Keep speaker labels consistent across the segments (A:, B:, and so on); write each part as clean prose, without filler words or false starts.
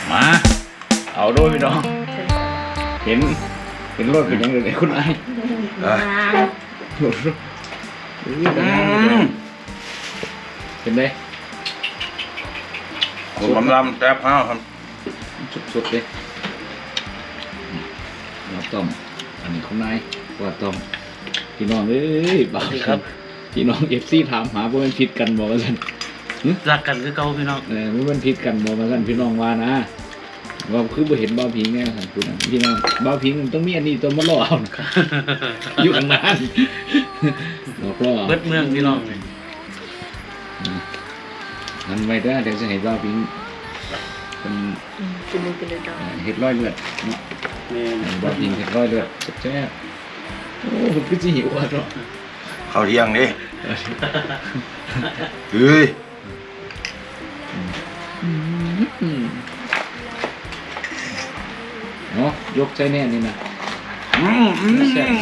A: มาเอาด้วยพี่น้องเห็นรถเป็นยังไงคุณไอ้เห็นไหม
B: ผมลำแซ่บข้าวครับ
A: สุดๆเลยเราต้มอันนี้คุณนายว่าต้มพี่น้องเอ้ยบ่าวครับพี่น้องเอฟซีถามหาว่ามันผิดกันบอกว่าสัน
C: รักกันคือเก่าพี่น้อง
A: มันผิดกันบอกว่าสันพี่น้องว่านะว่าคือบ่เห็นบ่าวพิงแน่สันคุณพี่น้องบ่าวพิงต้องมีอันนี้ตัวมาล่อเอาอยู่อันนั้นบอกล่อ
C: เบิดเมืองพี่น้อง
A: นั่นไว้ได้เดี๋ยวจะเห็นบ่าวพิงเป็นเห็ดร้อยเลือดเนาะบ่าวพิงเห็ดร้อยเลือดแซ่บโอ้ผมก็จะหิวอ่ะเนาะ
B: ข้าวเที่ยงนี่เฮ้ย
A: เนาะยกใจแน่นี่นะแซ่บ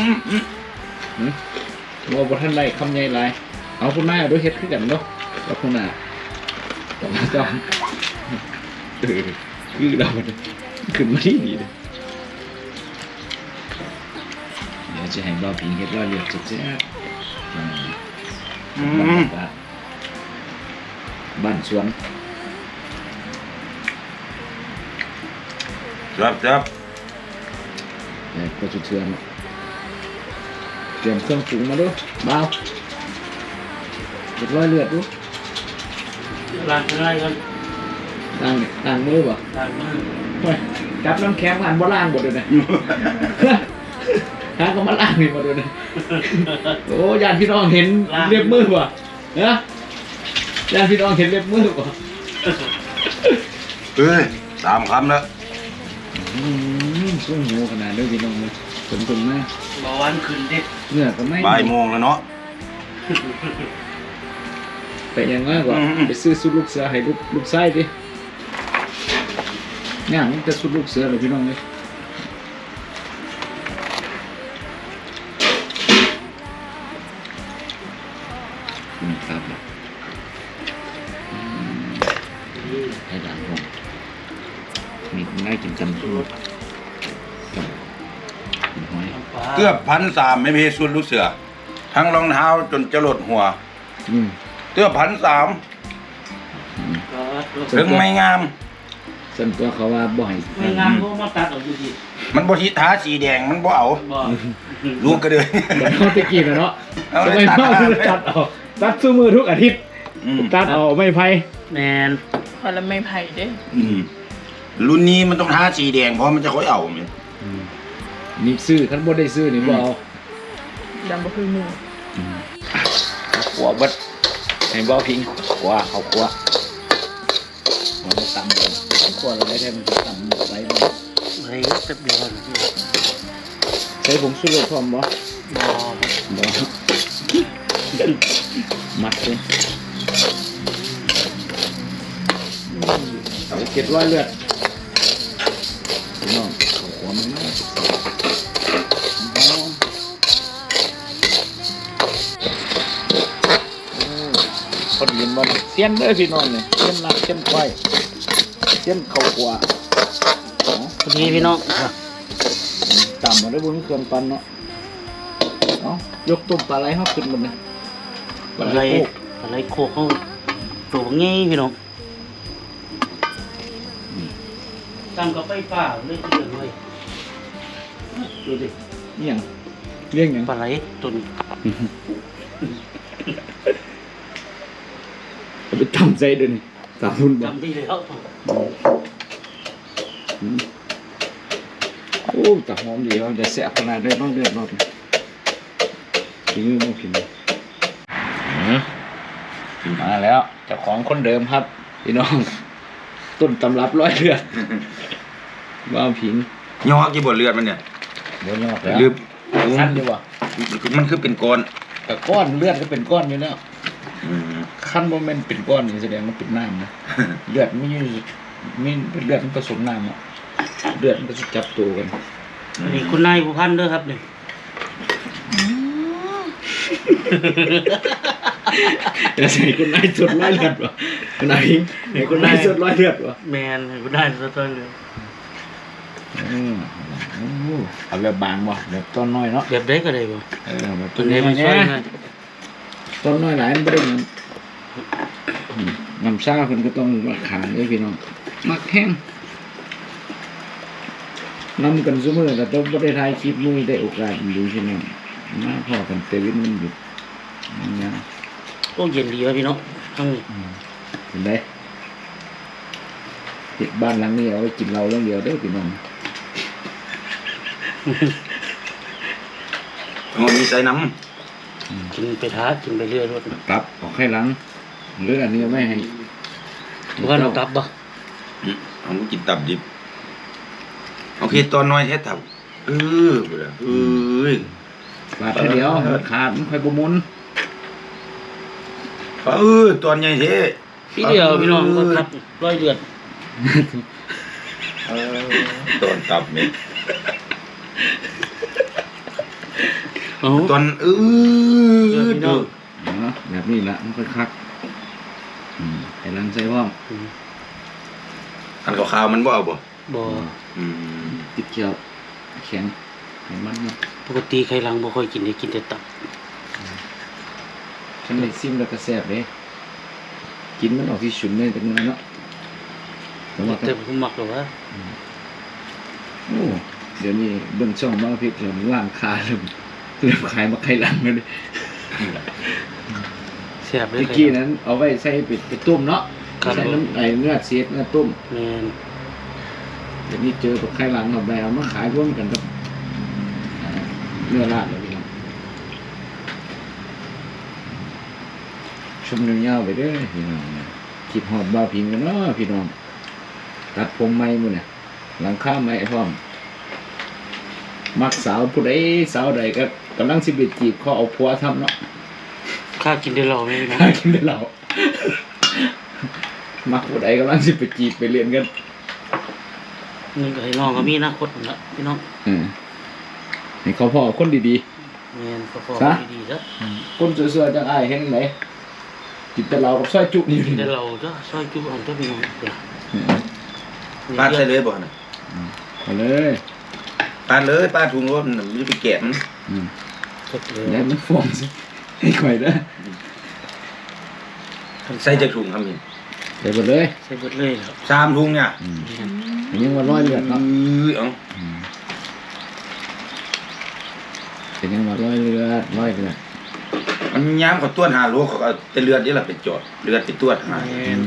A: ว่าบ่ทันไรคำใหญ่ไรเอาคุณนายเอาด้วยเฮ็ดขึ้นกันเนาะแล้วคุณน่ะต้องมาจ้องคือเราขึ้นมาที่ดีเลยเดี๋ยวจะให้บ่าวพิงเฮ็ดร้อยเลือดแซ่บบ้านสวน
B: จับ
A: ก็จะเทือนเตรียมเครื่องปรุงมาด้วยเบาเรียบร้อยเลือดดู
C: ล้างอะไรกัน
A: ล้างมือป่ะ
C: ล้างมือ
A: จับน้ำแข็งล้างบ่ล้างหมดเลยนะฮะก็มาล้างนี่มาด้วยนะโอ้ยานพี่น้องเห็นเล็บมือป่ะนะยานพี่น้องเห็นเล็บมือป่ะ
B: เฮ้ย3 คำแล้ว
A: สู้หูขนาดด้วยพี่น้องเลยสมมาก
C: เบาหวานขึ้นดิ
A: เนื้อก็ไม่
B: บ่ายโมงแล้วเนาะ
A: ไปยังมากกว่าไปซื้อสุดลูกเสือให้ลูกไส้ดิง่ายมันจะสุดลูกเสือเลยพี่น้องเลยครับให้ด่างผมมีคนได้กินกันทุก
B: เกือบ1,300ไม่มีส่วนลูกเสือทั้งรองเท้าจนจะหลดหัวเกือบ1,300ถึงไม่งาม
A: ส่วนตัวเขาว่าบ่อย
C: ไม่งามก็มาตัดออกอยู่ดี
B: มันบ่ทิท้าสีแดงมันบ่เอาลูกก็เลย
A: เขาตะกี้นะเนาะทำไมพ่อตัดออกตัดสู้มือทุกอาทิตย์ตัดออกไม่ไพ่
C: แมน
D: พอแล้วไม่ไพ่เด้
B: รุ่นนี้มันต้องท้าสีแดงเพราะมันจะค่อยเอาเนี่ย
A: นี่ซื้อขันบ่ได้ซื้อนี่บ่เอา
D: ดำบ่คือมือ
A: หัวบัดให้บ่พิงหัวเขาหัวมันต่ำเลยหัวเราได้แท้มันต่ำไรบ้าง
C: ไรแป๊บเดียว
A: ใช้ผงชูรสพร้อมบ่มัดเลยเก็บร้อยเลือดน้องหัวมันคนยืนบนเสี้ยนเลยพี่น้องเนี่ยเสี้ยนหนักเสี้ยนควายเสี้ยนเข่าขวา
C: พอดีพี่น้อง
A: ต่ำมาได้บนเครื่องปั้นเนาะยกตุ่มปลาไหลเขาขึ้นหมดเลย
C: ปลาไหลโคกเขาตัวงี้พี่น้องตั้งกับไฟฟ้าเลยที่เดือดเลยดูดิ
A: นี่อย่างเรื่องอย่าง
C: ปลาไหลตุ่น
A: ไปทำใจเดินตามรุ่น
C: ทำดีแล้ว
A: โอ้แต่หอมดีเขาจะแซ่บขนาดได้บ้างเดือดร้อนถึงมือมากินมาแล้วเจ้าของคนเดิมครับพี่น้องต้นตำรับร้อยเลือดว่าผิง
B: ย่อกี่บทเลือดมันเนี่ย
A: บ่ย่อแล้วลืมสั้นดีกว่า
B: มันคือเป็นก้อน
A: แต่ก้อนเลือดก็เป็นก้อนอยู่แล้วขั้นโมเมนต์เป็นก้อนนี่แสดงว่าเป็นน้ำนะเลือดไม่เลือดมันผสมน้ำอ่ะเลือดมันก็จะจับตัวกัน
C: นี่คุณนายผู้พันด้วยครับเนี่ย
A: จะใส่คุณนายสดร้อยเลือดวะคุณนายพิงให้คุณนายสดร้อยเลือดวะ
C: แมนกูได้ซะต้นเลย
A: เอาแบบบางบ่แบบต้นน้อยเนาะ
C: แบบได้ก็ได้บ่
A: แบบ
C: ตัวนี้มันช่วยไง
A: ต้นน้อยหลายมันไม่ได้เงินน้ำซ่าเพิ่นก็ต้องราคาเลยพี่น้องมักแห้งน้ำกันซุมื้อแต่ต้องบ่ได้ถ่ายคลิปมื้อได้โอกาสดูพี่น้องมาพอกันเตวินมันหยุดเนี่ย
C: โอ้เย็นดีวะพี่น้องทั้งนี้
A: เห็นไหมติดบ้านหลังนี้เอาไว้กินเราเรื่องเดียวเด้อพี่น้อง
B: มันมีใส่น้
C: กินไปท้ากินไปเรื่อยรถ
A: กลับออกให้หลังหรืออันนี้ไม่ให้
C: ว่าเรากลับบ่
B: ำเอามากินตับดิบโอเคตอนน้อยแท้ตับเอ้ย
A: บาดแค่เดียวขาดมันค่อยบ่หมุน
B: ตอนใหญ่เท่
C: พี่เดียวพี่น้องก็ทับร้อยเดือน
B: ตอนตับนี่
C: โอ้
B: ตอน
C: พี่น้อง
A: แบบนี้ละมันค่อยคักให้หลังใส่พร้อม
B: อันขาวๆมันบ่เอาบ่
C: บ่
A: ติดเขียวแข็งให้มันเนาะ
C: ปกติใครหลังบ่ค่อยกินได้กินแต่ตับ
A: ฉันได้ซิมแล้วก็แซ่บเลยกินมันออกที่ฉุนเลยจังเลยเนาะแต่ว่า
C: แต่ผมมักหรอกว่า
A: โอ้เดี๋ยวนี้เบิ่งช่องมาพิษเริ่มร้านค้าเริ่มขายมาไข่หลังแล้วเลย
C: แซ่บเลย
A: เมื่อกี้นั้นเอาไว้ใส่ไปต้มเนาะ
C: ครับ
A: ใส่น้ำเนื้อเสียดเนื้อต้ม
C: แม่น
A: เดี๋ยวนี้เจอกับไข่หลังเอาไปเอามาขายร่วมกันกับเนื้อราดเลยพี่น้องชมยาวๆไปเด้อพี่น้องคิดฮอดบ้าพิงกันเนาะพี่น้องตัดผมใหม่มื้อเนี่ยหลังคาใหม่พร้อมมักสาวผู้ใดสาวใดก็กำลังสิไปจีบเขาเอาผัวทำเนาะ
C: ข้ากินได้เหล้าไหมพี่น้อง
A: หากินได้เหล่ามักผู้ใดกำลังสิไปจีบไปเรียนกัน
C: นี่ก็ให้น้องก็มีอนาคตนั่นละพี่น้อง
A: ให้เขาพ่อคนดี
C: แม่นก็พอดีๆซะ
A: ๆคนสวยๆจังอ้ายเห็นไหนกินแต่เหล้ากับซอยจุนี่
C: กิน
A: นี่
C: ได้เหล้าจ้ะซอยจุอันเจ้าพี่น้องเดี๋ยว
B: ปาดใส่เลยบ่น่ะ
A: เอาเลย
B: ปาดเลยปาดถุงรถมันจะไปแกะมัน
C: สดเลย
A: แล้วมันฟ้องสิให้ข่อยเด้อ
B: ใส่จากถุงครับนี่
A: ใส่หมดเลย
C: ใส่เบิดเลยครับ
B: 3ถุงเนี่ย
A: ยังว่าร้อยเลือดเนาะ
B: เอา
A: เป็นยังว่าร้อยเลือด
B: มันยามเขาตรวจหาโรคเขาเอาแต่เลือดนี่ล่ะไปจอดเลือดไปตรวจหา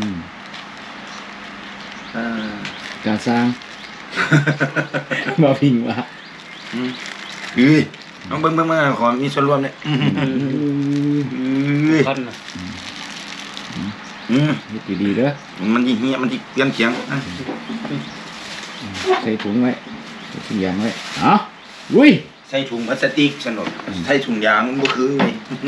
A: การสร้าง มาพิงว่า
B: น้องเบิ่งขอมีส่วนร่วมเนี่ย
C: คันน่ะ
A: นี่ดีเด้อ
B: มันสิเหี้ยมันสิเปลี่ยนเสียง
A: ใส่ถุงไว้ใส่ถุงยางไว้เอาลุย
B: ใส่ถุงพลาสติกสนุกใส่ถุงยางบ่คือไง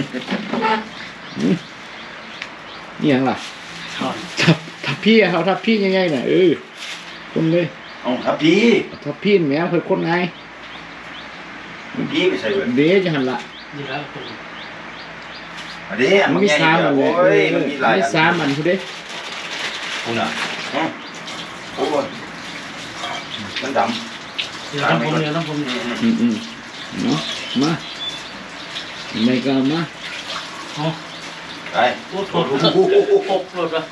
A: นี่ยังล่ะ
C: ช้อน
A: ทับพี่เอาทับพี่ง่ายๆน่ะคนเลย
B: เอาครับพี่
A: ทับพี่แม่เคยคนไง
B: พี่ไปใส่เบิด
A: เด้จะหันละ
C: นี่แล้วคน
B: อันนี้อัน
A: มัน
B: มัน
A: มี
B: ใหญ่
A: สามอันเลย
B: โอ้ยมันมีหลาย
A: มี
B: อัน
A: สามอันคุณเด้
B: คุณน่ะโอ้ยมันดำ
C: เดี๋ยวต้องผมเดี๋ยวต้องผมเนี่ย
A: เนาะมาไม่ก็มา
C: เอา
B: ไป
C: โอ้โหปกรถวะ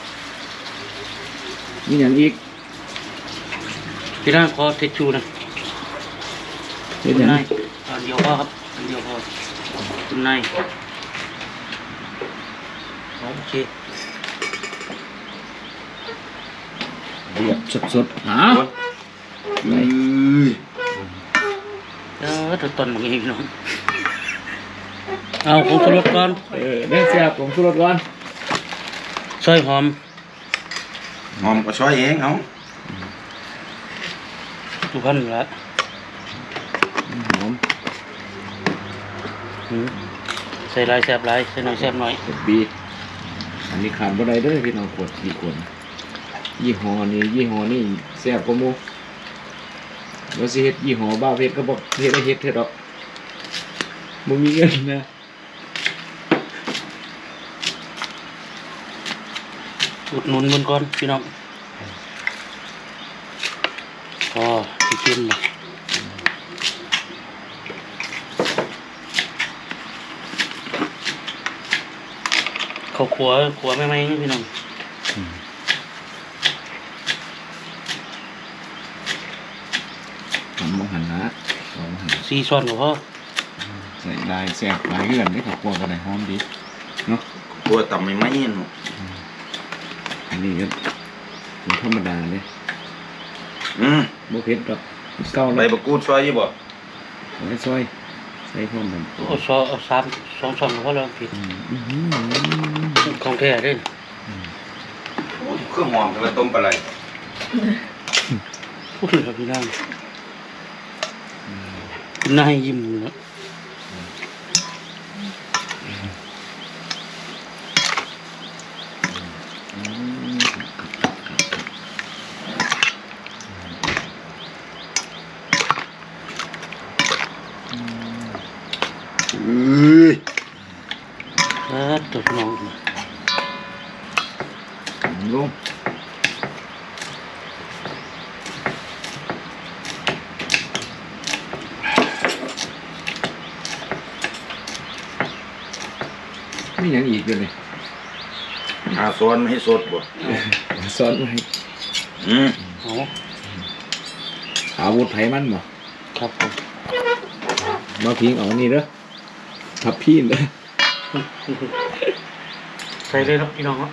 A: มีอย่างอีก
C: พี่น้าขอเทชูนะ
A: เป็น
C: คุณ
A: อย่าง
C: นายอันเดียวพอครับอันเดียวพอคุณนายโอเค
A: เรียบสดๆหา
B: เอ้ย
C: ตัวตนมึงเองพี่น้องเอาผมสรุปก่อน
A: เรื่องเสียบผมสุรสก่อน
C: ซอยหอม
B: หอมก็ช่วยเองเอา
C: ทุกคนละ
A: หอม
C: ใส่ลายแซบลายใส่หน่อยแซบหน่อย
A: เสร็จบีอันนี้ขาดบ่ได้เด้อพี่น้องขวดกี่ขวดยี่ห้อนี้แซ่บกว่าหมู่ว่าสิเฮ็ดยี่ห้อบ้าเพชรก็บ่เฮ็ดเถอะดอกบ่มีเงินนะ
C: อุดหนุนมันก่อนพี่น้องพอที่กินเลยเขาขัวไม่พี่น้อง
A: ทำมหันนะมหัน
C: ซีซ้อนกับพ่อ
A: ใส่ลายแซ่บลายเลื่อนได้ขอบคุณกันเลยหอมดีเนาะ
B: ตัวต่ำไม่ไหมเนาะ
A: อันนี้ก็เป็นธรรมดาเลย โบเพ็ดกับเก้า
B: ใบ
A: แล้ว
B: บะกูดซอยยี่บ่
A: ไว้ซอยใส่พร้อมกัน
C: เอาสามสองช้อนกับพ่อแล้วผิดของแท้เด้
B: เครื่องหอมจะมาต้มปลาไหล
C: พูดเลยครับพี่น้องน่ายิ้มเลยนะตัวน้อง
A: ลงไม่ยังอีกเลย
B: หาซ้อนให้สดบ่
A: ซ้อนไว้
C: โอ้
A: อาวุธไผมันบ่
C: ครับผม
A: มาพิงเอานี่เด้อทับพี่เลย
C: ใส่เลยครับพี่น้องครับ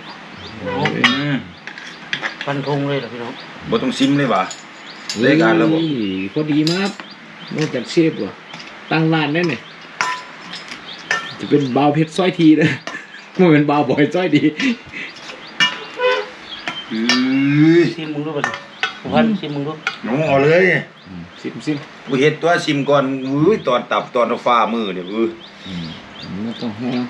C: ฟันธงเลยเหรอพี่น้อง
B: บ่ต้องซิมเลยว่ะรายการแล้วบ่
A: พอดีมากนอกจากเชฟว่ะตั้งร้านแน่เนี่ยจะเป็นบาวเพชรสร้อยทีนะมันเป็นบาวบอยสร้อยดี
C: ซิมมึงรู้ป่ะพันซิมมึงรู้
B: หนูเอาเลย
A: ซิม
B: กูเฮ็ดตัวซิมก่อนตอนตับตอนเอาฟ้ามือเนี่ย
A: ไม่ต้องห่วง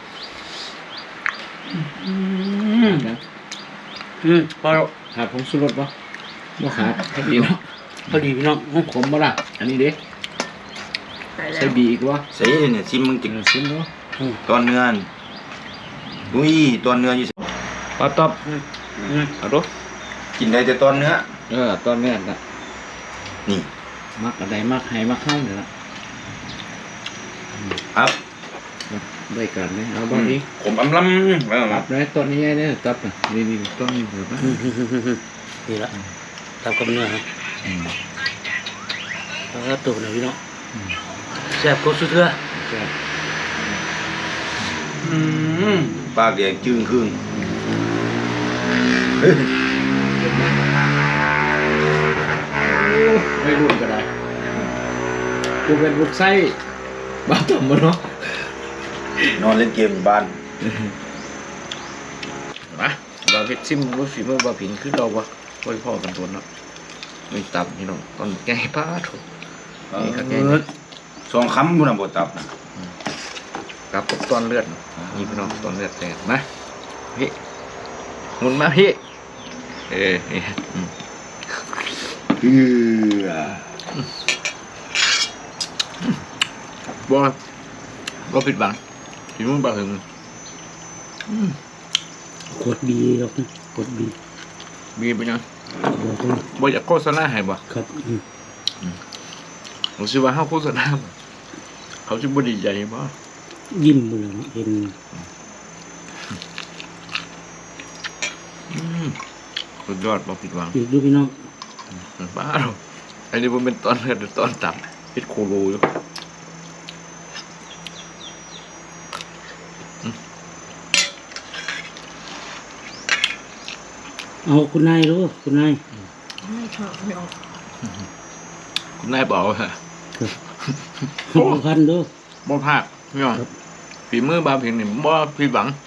A: นะ
C: พอแล้ว
A: ขาดผงชูรสปะบ่ขาดพอดีเนาะ
C: พอดีพี่น้อง
A: ขมบ่ล่ะอันนี้เด็ก
D: ใส่แล้
A: ใส่
D: ว
A: บีอีกวะ
B: ใส่เนี่ยซิมมึงจิก
A: ซิมเนาะ
B: ตอนเนื้อตอนเนื้ออยู่
A: ปลาตอบเอาดู
B: กินได้แต่ตอนเนื้อ
A: ตอนนี้นะ
B: นี่
A: มักอะไรมักให้มักเข้าเนี่ยละ
B: ครับ
A: ด้วยกันเลยเอาบ้างนี้
B: ผมอำลำ
A: ตับเลยต้นนี้เนี่ยตับน่ะนี่ต้นนี้เห็นปะ
C: นี่ละตามกับเนื้อครับแล้วตัวไหนพี่น้องแซ่บก็สุดเถื่อ
B: ปากแดงจึงครึ่ง
A: ไม่รุ่นก็ได้กูเป็นลูกไส้บ้าต่ำมาเนาะ
B: นอนเล่นเกมอยู่บ้าน
A: มาบาเพชรซิมรู้ฝีมือบาผินคือเราวะค่อยพ่อกันตัวเนาะไม่ตับนี่น้องตอนแกให้ป้าถูกนี่ครับแก
B: สองคำบุญบตับนะ
A: กับตอนเลือดนี่พี่น้องตอนเลือดแตกนะพี่หมุนมาพี่นี่บ่ผิดบังฝีมือบาถึง
C: กดบีครับกดบี
A: มีไปยัง
C: บอกเลย
A: บ่อยากโฆษณาให้บ่
C: ครับ
A: ผมคิดว่าเฮาโฆษณาบ่เขาสิบ่ดีใจบ่
C: ยิ้มเลยเห็น
A: สุดยอดบ่ผิดหวัง
C: อีกดูพี่น้อง
A: บ้าหรออันนี้มันเป็นตอนเลือดหรือตอนตับเฮ็ดโคโลอยู่
C: เอาคุณนายรู้คุณนาย
D: ไม่ชอบไม่ออก
A: คุณนายบอกว่า
C: เอาพันดู
A: บ่พลาดพี่น้องฝีมือบาเพียงนี่บ่ผิดหวัง